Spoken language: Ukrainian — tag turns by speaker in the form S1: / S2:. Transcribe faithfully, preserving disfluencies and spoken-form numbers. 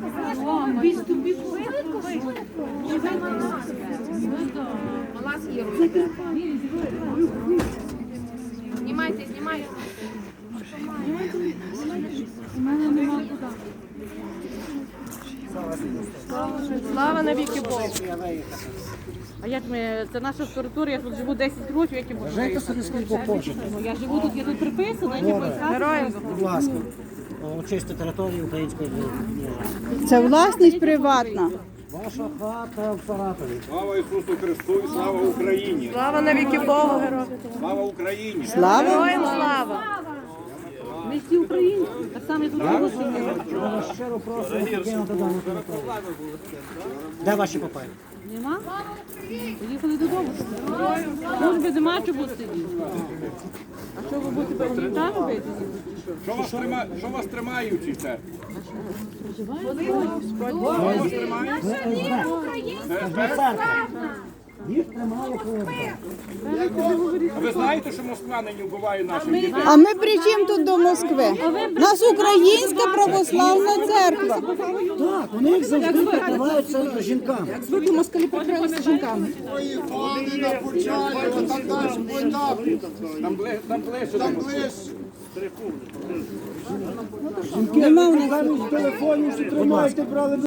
S1: Мала з'їла. Знімайте, знімайте.
S2: У мене нема куди.
S3: Слава навіки Богу. А як ми, це наша територія, я тут живу десять років, як я можу.
S4: Жайте собі скільки хочете.
S3: Ну, я живу тут, я тут приписана, я
S4: Героям. Будь ласка, очисти територію української держави.
S2: Це власність приватна.
S4: Ваша хата в Саратові.
S5: Слава Ісусу Христу і слава Україні!
S3: Слава навіки Богу, героям.
S5: Слава Україні!
S2: Слава!
S3: Героям слава. Ми всі українці, так само і тут живуть.
S4: Я вас щиро просимо покинути дану територію. Де ваші папаї?
S3: Нема? Поїхали додому. Служби нема, що буде сидіти. А що ви будете пам'ятати робити?
S5: Що вас тримає? Що вас тримають у церкві?
S4: Їх тримає ФСБ.
S5: А ви знаєте, що Москва нині вбиває наших дітей?
S2: А ми при чим тут до Москви? У нас українська православна церква.
S4: Так, вони їх завжди прикриваються жінками.
S3: Звикли москалі прикрилися жінками.
S5: Там бли- там ближче. Там ближче.
S2: Нема у нас.
S4: Телефонів, що тримаєте, брали